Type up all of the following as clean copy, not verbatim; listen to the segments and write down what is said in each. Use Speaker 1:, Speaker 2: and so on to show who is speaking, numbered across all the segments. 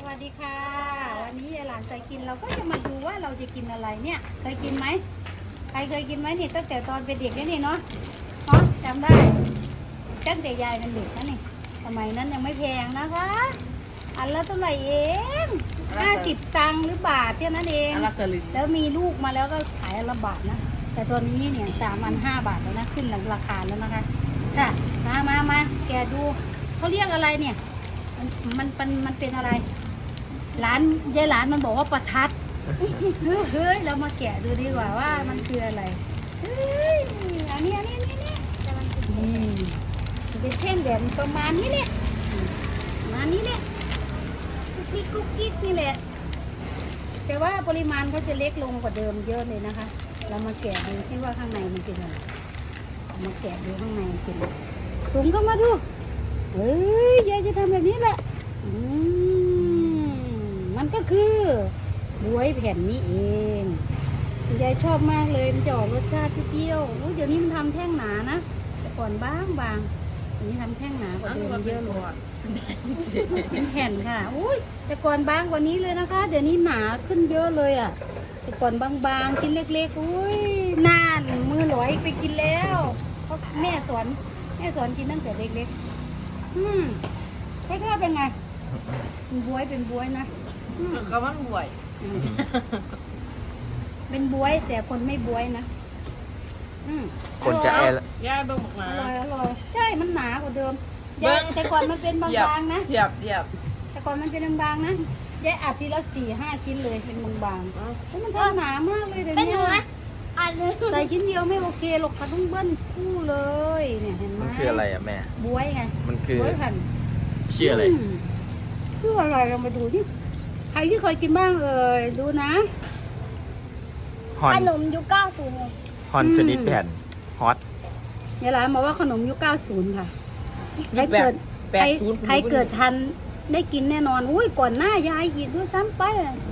Speaker 1: วัสดีค่ะวันนี้ยายหลานใจกินเราก็จะมาดูว่าเราจะกินอะไรเนี่ยเคยกินไหมใครเคยกินไหมนี่ตั้งแต่ตอนเป็นเด็กนี่เนาะจำได้ตั้งแต่ยายเป็นเด็กนะนี่สมัยนั้นยังไม่แพงนะคะอันละเท่าไหร่เอง50 ตังค์หรือบาทเท่านั้นเองแล้วมีลูกมาแล้วก็ขายอันละบาทนะแต่ตอนนี้เนี่ย3 อัน 5 บาทแล้วนะขึ้นหลังราคาแล้วนะคะค่ะมาแกดูเขาเรียกอะไรเนี่ยมันเป็นอะไรร้านยายหลานมันบอกว่าประทัดเฮ้ยเรามาแกะดูดีกว่าว่ามันคืออะไรเฮ้ยอันนี้เป็นเส้นแบบประมาณนี้เนี่ยประมาณนี้เนี่ยกุ๊กกิ๊กนี่แหละแต่ว่าปริมาณเขาจะเล็กลงกว่าเดิมเยอะเลยนะคะเรามาแกะดูซิว่าข้างในมันเป็นอะไรมาแกะดูข้างในมันเป็นอะไรสูงก็มาดูเฮ้ยยายจะทำแบบนี้แหละมันก็คือบวยแผ่นนี้เองยายชอบมากเลยมันจะออกรสชาติเปรี้ยวเดี๋ยวนี้มันทำแท่งหนานะแต่ก่อนบางอันนี้ทำแท่งหนากว่าเดิมเยอะเลยเป็นแผ่นค่ะอุ้ยแต่ก่อนบางกว่านี้เลยนะคะเดี๋ยวนี้หนาขึ้นเยอะเลยอ่ะแต่ก่อนบางๆชิ้นเล็กๆอุ้ยนานมือหลอยไปกินแล้วเพราะแม่สอนกินตั้งแต่เล็กๆรสชาติเป็นไงเป็นบวยนะ
Speaker 2: เขาว่าบวย
Speaker 1: เป็นบวยแต่คนไม่บวยนะ
Speaker 3: คนจะ
Speaker 2: ย่าเบิ่งหมา
Speaker 1: อร่อยใช่มันหนากว่าเดิมแต่ก่อนมันเป็นบางๆนะ
Speaker 2: เหยียบ
Speaker 1: แต่ก่อนมันเป็นบางๆนะยายอัดทีละ4-5 ชิ้นเลยเป็นบางๆแล้วมันทำหนามากเลยเดี๋ยวนี้ใส่ชิ้นเดียวไม่โอเคหรอกค่ะต้องเบิ้ลคู่เลยเนี่ยเห็นไหม
Speaker 3: มันคืออะไรอ่ะแม่
Speaker 1: บวยไง
Speaker 3: มันคือบ
Speaker 1: วยแผ่น
Speaker 3: ชื่ออะไร
Speaker 1: ชื่ออะไรกันมาดูที่ใครที่เคยกินบ้างดูนะ
Speaker 4: ขนมยุค90
Speaker 3: ฮอนชนิดแผ่นฮอต
Speaker 1: ยายหลานบอกว่าขนมยุค90ค่ะใครเกิดทันได้กินแน่นอนอุ้ยก่อนหน้ายายกินด้วยซ้ำไป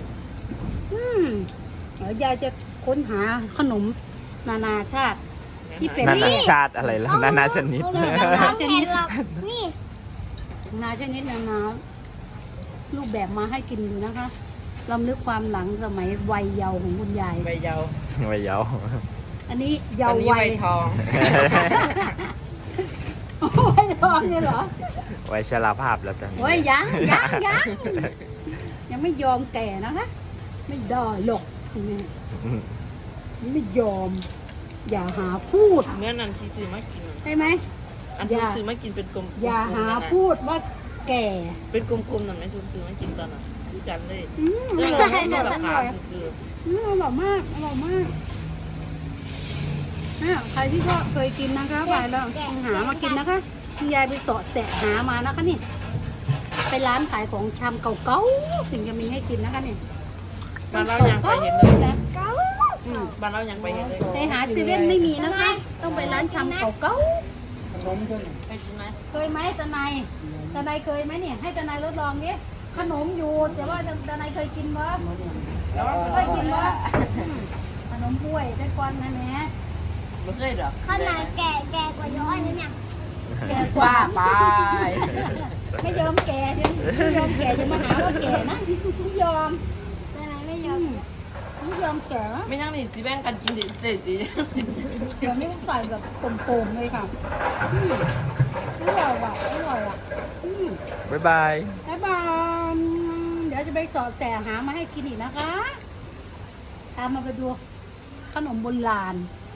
Speaker 1: เดี๋ยวยายจะค้นหาขนมนานาชาติที่เป็น
Speaker 3: นานาชาติอะไรแล้วนานาชนิด
Speaker 1: นานาชนิด
Speaker 4: นี่
Speaker 1: นานาชนิดนานารูปแบบมาให้กินดูนะคะลำลึกความหลังสมัยวัยเยาว์ของคุณยาย
Speaker 2: วัยเยาว์
Speaker 1: อันนี้เยาว์วัย
Speaker 2: ทอง
Speaker 1: วัยทองเนี่ยเหรอ
Speaker 3: วัยชราภาพแล้วกัน
Speaker 1: วัยยังไม่ยอมแก่นะคะไม่ได้หรอกไม่ยอมอย่าหาพูด
Speaker 2: เมื่อนั้นที่ซื้อมากิน
Speaker 1: ใช่ไหม
Speaker 2: อันที่ซื้อมากินเป็นกลม
Speaker 1: อย่าหาพูดว่าแก่
Speaker 2: เป็นกลมๆนั่นไหมทุกซื้อมากินตอนนั้นที่จำได้
Speaker 1: อร่อยมากใครที่ก็เคยกินนะคะไปแล้วหามากินนะคะคุณยายไปสอดแสะหามานะคะนี่ไปร้านขายของชำเก่าๆถึงจะมีให้กินนะคะเนี่ย
Speaker 2: บ้านเรายังไปเห็นเลยบ้านเรายังไปเห็นเลย
Speaker 1: แต่หาเซเว่นไม่มีนะคะต้องไปร้านชำเก่า
Speaker 2: ไปกินไหม
Speaker 1: เคยไหมตาไนเคยไหมเนี่ยให้ตาไนทดลองดิขนมอยู่แต่ว่าตาไนเคยกินวะเคยกินวะขนมบ้วยได้ก่อนนะแม่
Speaker 2: ไม่เคยหรอ
Speaker 4: ขนาดแก่กว่าย้อยนะเนี่ย
Speaker 1: แก่กว่าไปไม่ยอมแก่จะมาหาว่าแก่นะไม่ยอม
Speaker 4: ไม่ยอม
Speaker 1: แก่
Speaker 2: ไม่ยังนี่สิแบ่งกันกินดิเ
Speaker 1: ดี๋ยวนี้ใส่แบบโป่งๆเลยค่ะอร่อยอ่ะ
Speaker 3: บ๊ายบาย
Speaker 1: เดี๋ยวจะไปสอดแสหามาให้กินอีกนะคะตามมาไปดูขนมโบราณ